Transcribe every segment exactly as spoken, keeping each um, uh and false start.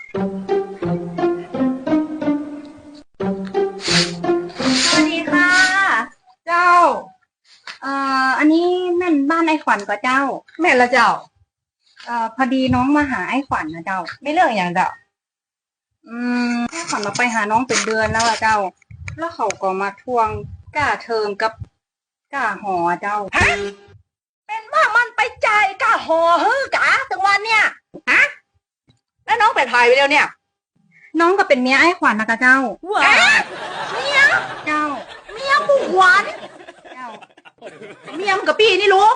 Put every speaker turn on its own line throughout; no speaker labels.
สวัสดีค่ะ
เจ้า
เอ่ออันนี้แม่นบ้านไอ้ขวัญก็เจ้า
แม่ละเจ้า
เอ่อพอดีน้องมาหาไอ้ขวัญนะเจ้า
ไม่เรื่องอย่างเจ้า
อืมไอ้ขวัญเราไปหาน้องเป็นเดือนแล้วอะเจ้า แล้วเขาก็มาทวงก้าเทอมกับก้าหอเจ้า
ฮะเป็นว่ามันไปจ่ายกะหอฮื้อกะถึงวันเนี่ยฮะแล้วน้องเป็นไทยไปแล้วเนี่ย
น้องก็เป็นเมียไอ้ขวัญนะกะเจ้า
ว้าเมีย
เจ้า
เมียบุกหวาน
เจ้า
เมียมกับปีนี่รู้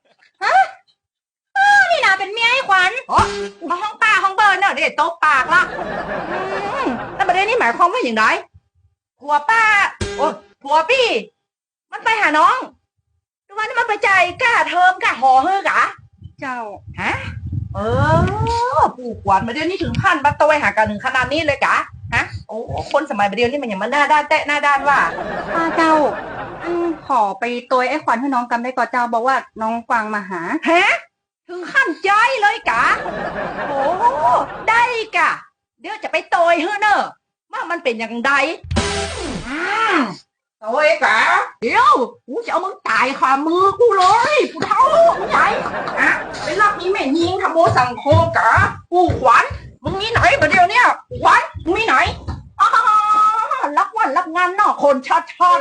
นี่นะเป็นเมียไอ้ขวัญ
อ๋อมาห้องป้าห้องเบิร์นเนาะเดี๋ยวโต๊ะปากละอืมแล้วประเด็นนี้หมายความว่าอย่างไรผัวป้าโอ้ผัวพี่มันไปหาน้องทุกวันนี้มันไปจ่ายกะเทอมกะหอฮื้อกะ
เจ้า
ฮะเออผูกหวานมาเดี๋ยวนี้ถึงขั้นบัตรตวยหากันถึงขนาดนี้เลยกะฮะโอ้คนสมัยเดี๋ยวนี้มันอย่างมันหน้าด้านแตะหน้าด้านว่า
ป้าเจ้าอันขอไปตัวไอ้ขวัญให้น้องกำได้ก่อนเจ้าบอกว่าน้องกวางมาหา
ฮะถึงขั้นใจเลยกะโอ้ได้กะ เดี๋ยวจะไปโตยเฮ้อเนอะว่ามันเป็นอย่างใดอืมโตยกะเดี๋ยวกูจะเอามึงตายขามือกูเลยกูเท่ามึงใหญ่ฮะไปรับนี้แม่ยิงทำโมสังโคกะกูขวัญมึงมีไหนประเดี๋ยวเนี่ยขวัญมึงมีไหนอ้าวรับวันรับงานนอกคนชัดชัด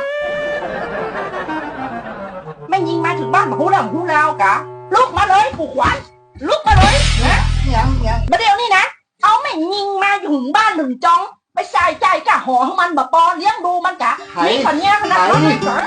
แม่ยิงมาถึงบ้านมาหูแล้วหูแล้วกะลุกมาเลยกูขวัญลุกมาเลยนะยังยังประเดี๋ยวนี้นะเอาแม่ยิงมาอยู่ถึงบ้านหนึ่งจองไปใส่ใจกะหอของมันแบบปอเลี้ยงดูมันกะนี่คนเนี้ยขนาดนั้นเลยกะ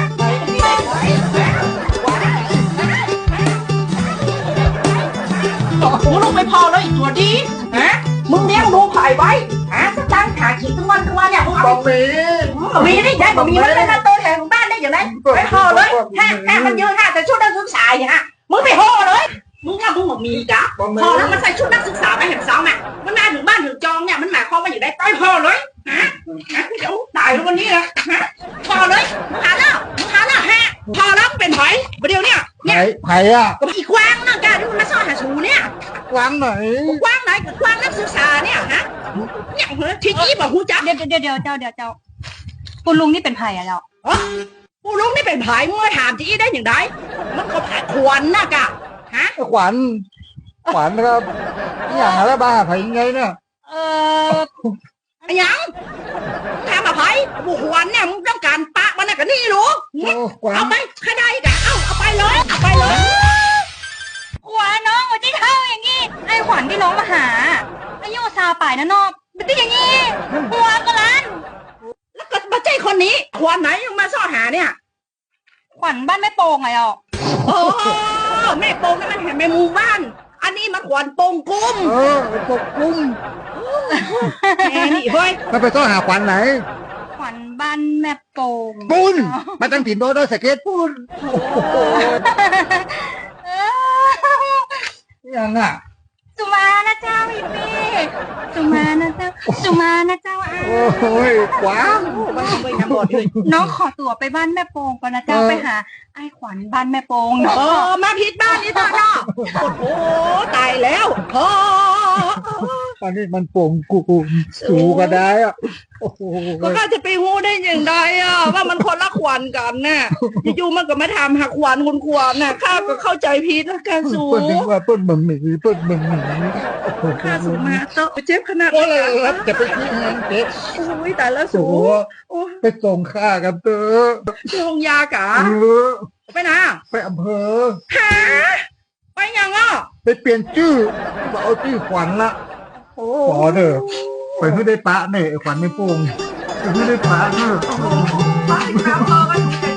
มึงลงไปพอเลยตัวดีฮะมึงเลี้ยงดูไผ่ไว้หาสตางค์ขาขีดทั้งวันทั้งวันเนี่ยมึงเอา
บะหมี่
บะหมี่ได้ได้บะหมี่มันเป็นตัวแทนของบ้านได้อย่างไรไปห่อเลยห้าห้ามันยืนห้าแต่ชุดนักศึกษาอย่างฮะมึงไปห่อเลยมึงว่ามึงบะหมี่กะห่อแล้วมันใส่ชุดนักศึกษาไปเห็นสองอ่ะมันมาถึงบ้านถึงจองเนี่ยมันหมายความว่าอย่างไรไปห่อเลยฮะฮะเดี๋ยวตายแล้ววันนี้นะฮะห่อเลยมึงหาแล้วมึงหาแล้วฮะห่อแล้วเป็นไผ่ประเดี๋ยวเนี่ย
ไผ่ไผ่อะ
ก็อีกวางนั่งกาที่มันมาซ่อนหาชูเนี่ย
กวางไหน
กว้างไหนกับกว้างนักศึกษาเนี่ยฮะเนี่ยที่นี่บอกหูจัก
เดี๋ยวเดี๋ยวเดี๋ยวเจ้าเดี๋ยวเจ้าคุณลุงนี่เป็นไผ่อะเจ้า
ผู้ลุงนี่เป็นผายมึงมาถามจีได้อย่างไรมันก็ผ่าขวัญน่ะกะฮะ
ขวัญขวัญครับนี่อย่างอะไรบ้าไผ่ยังไงเนี่ย
เออ
ไอ้ยังถามมาไผ่บุขวัญเนี่ยมึงต้องการปะมันน่ะกันนี่รู้
โอ้ขวัญ
เอาไปใครได้กะเอาเอาไปเลยเอาไปเลย
ขวัญน้องวันที่เท่าอย่างงี้ไอ้ขวัญที่น้องมาหาอายุซาป่ายนะนอกเป็นที่อย่างงี้หัวกระลัน
แล้วก็มาใจคนนี้ขวัญไหนยังมาซ่อนหาเนี่ย
ขวัญบ้านแม่โป่งไงอ่ะ
โอ้แม่โป่งนี่มันเห็นแม่หมู่บ้าน อันนี้มันขวัญโป่งกุ้ม
เออไอ้พวกกุ้ง
แม่นี่เฮ้ย
มันไปต้องหาขวัญไหน
ขวัญบ้านแม่โป่ง
ปุ้นมาตั้งถิ่นโดนด้วยสเก็ตปุ้นโอ้โห
เออ
ยังอ่ะ
สุมานะเจ้าพี่พี่สุมานะเจ้าสุมานะเจ้าอา
โอ้ยขวาง
มันทำไมนะหมดเลย
น้องขอตัวไปบ้านแม่โป่งก่อนนะเจ้าไปหาไอ้ขวัญบ้านแม่โป่งเนาะ
เออมาผิดบ้านนี่ต่อเนาะโอ้โหตายแล้วพอ
อันนี้มันโป่งกูสูก็ได้อ่ะโอ้โห
ก็ข้าจะไปหู้ได้อย่างไรอ่ะว่ามันคนละขวัญกันน่ะอยู่ๆมันก็มาทำหักขวัญคุณขวัญน่ะข้าก็เข้าใจผิดแล้วกันสู
เปิ้ลถึงว่าเปิ้ลบะหมี่เปิ้ลบะหมี่
ข้าสูมาเตอะเจ็บขนาด
โอ้
นี้
ยรับจะไปที่งานเจ๊
โอ้ยตายแล้ว
สู
สูโอ้ย
ไปส่งข้ากันเถอะ
ที่โรงยากะ
เออ
ไปนะ
ไปอำเภอ
หาไปยังอ่ะ
ไปเปลี่ยนชื่อว่าเอาชื่อขวัญละ
โอ้
ขอเด้อไปเพื่อได้ปะเนี่ยไอ้ขวัญไม่โป่งไปเพื่อได้ปะเนอะ
ไปที่น้ำพอกัน